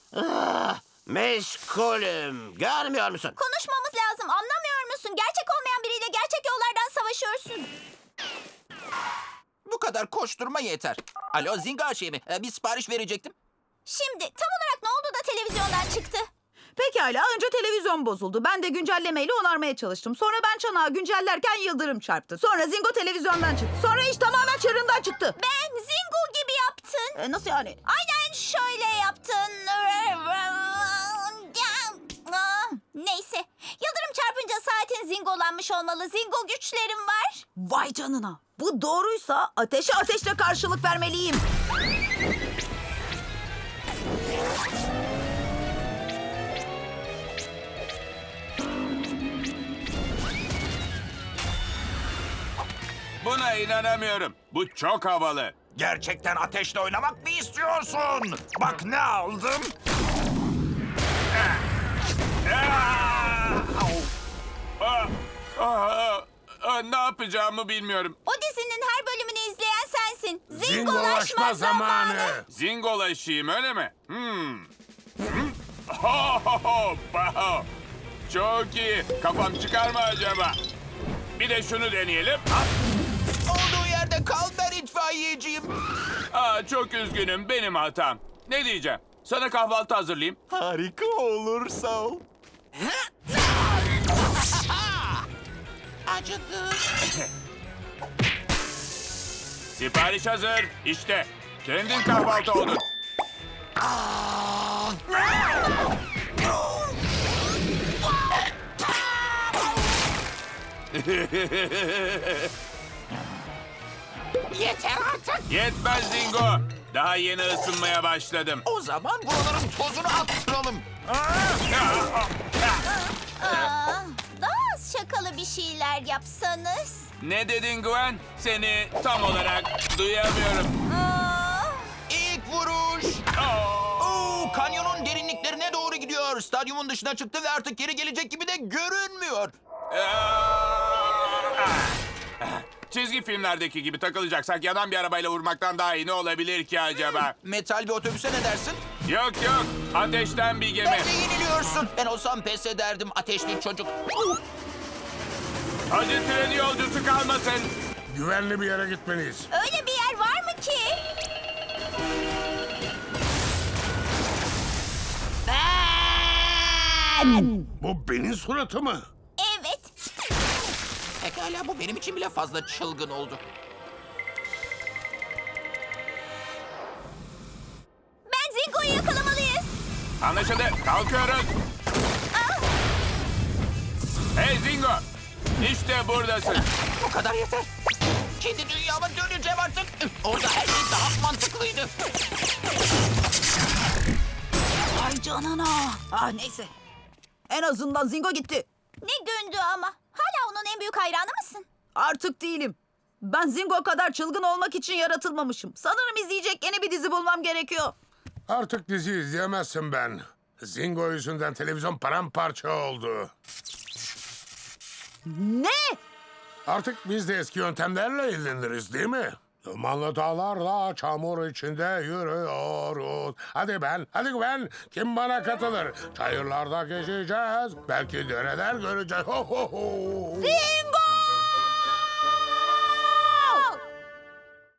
Meşgulüm. Görmüyor musun? Konuşmamız lazım. Anlamıyor musun? Gerçek olmayan biriyle gerçek yollardan savaşıyorsun. Bu kadar koşturma yeter. Alo Zinga şey mi? Bir sipariş verecektim. Şimdi tam olarak ne oldu da televizyondan çıktı? Pekala, önce televizyon bozuldu. Ben de güncellemeyle onarmaya çalıştım. Sonra ben çanağı güncellerken yıldırım çarptı. Sonra Zingo televizyondan çıktı. Sonra iş tamamen çığırından çıktı. Ben Zingo gibi yaptın. Nasıl yani? Aynen şöyle yaptın. Neyse. Yıldırım çarpınca saatin zingolanmış olmalı. Zingo güçlerim var. Vay canına. Bu doğruysa ateşe ateşle karşılık vermeliyim. Buna inanamıyorum. Bu çok havalı. Gerçekten ateşle oynamak mı istiyorsun? Bak ne aldım. Ne yapacağımı bilmiyorum. O dizinin her bölümünü izleyen sensin. Zingolaşma zamanı. Zingolaşayım öyle mi? Ho, ho, ho, bao. Çok iyi. Kafam çıkar mı acaba? Bir de şunu deneyelim. Olduğu yerde kal, ben itfaiyeciyim. Çok üzgünüm, benim hatam. Ne diyeceğim? Sana kahvaltı hazırlayayım. Harika olur, sağ ol. Acıdı. Sipariş hazır. İşte. Kendin kahvaltı oldun. Yeter artık. Yetmez Zingo. Daha yeni ısınmaya başladım. O zaman buraların tozunu attıralım. Daha az şakalı bir şeyler yapsanız. Ne dedin Gwen? Seni tam olarak duyamıyorum. İlk vuruş. Oo, kanyonun derinliklerine doğru gidiyor. Stadyumun dışına çıktı ve artık geri gelecek gibi de görünmüyor. Çizgi filmlerdeki gibi takılacaksak yanan bir arabayla vurmaktan daha iyi ne olabilir ki acaba? Metal bir otobüse ne dersin? Yok yok. Ateşten bir gemi. Bence yeniliyorsun. Ben olsam pes ederdim ateşli çocuk. Hadi tren yolcusu kalmasın. Güvenli bir yere gitmeliyiz. Öyle bir yer var mı ki? Bu benim suratı mı? Evet. Pekala, bu benim için bile fazla çılgın oldu. Ben Zingo'yu yakalamalıyız. Anlaşıldı. Kalkıyoruz. Hey Zingo. İşte buradasın. Bu kadar yeter. Kendi dünyama döneceğim artık. Orada her şey daha mantıklıydı. Vay canına. Neyse. En azından Zingo gitti. Ne gündü ama. Hala onun en büyük hayranı mısın? Artık değilim. Ben Zingo kadar çılgın olmak için yaratılmamışım. Sanırım izleyecek yeni bir dizi bulmam gerekiyor. Artık dizi izleyemezsin ben. Zingo yüzünden televizyon paramparça oldu. Ne? Artık biz de eski yöntemlerle ilgileniriz değil mi? Dumanlı dağlarla çamur içinde yürüyoruz. Hadi ben. Kim bana katılır? Çayırlarda gezeceğiz. Belki dereler göreceğiz. Ho ho ho. Zingo!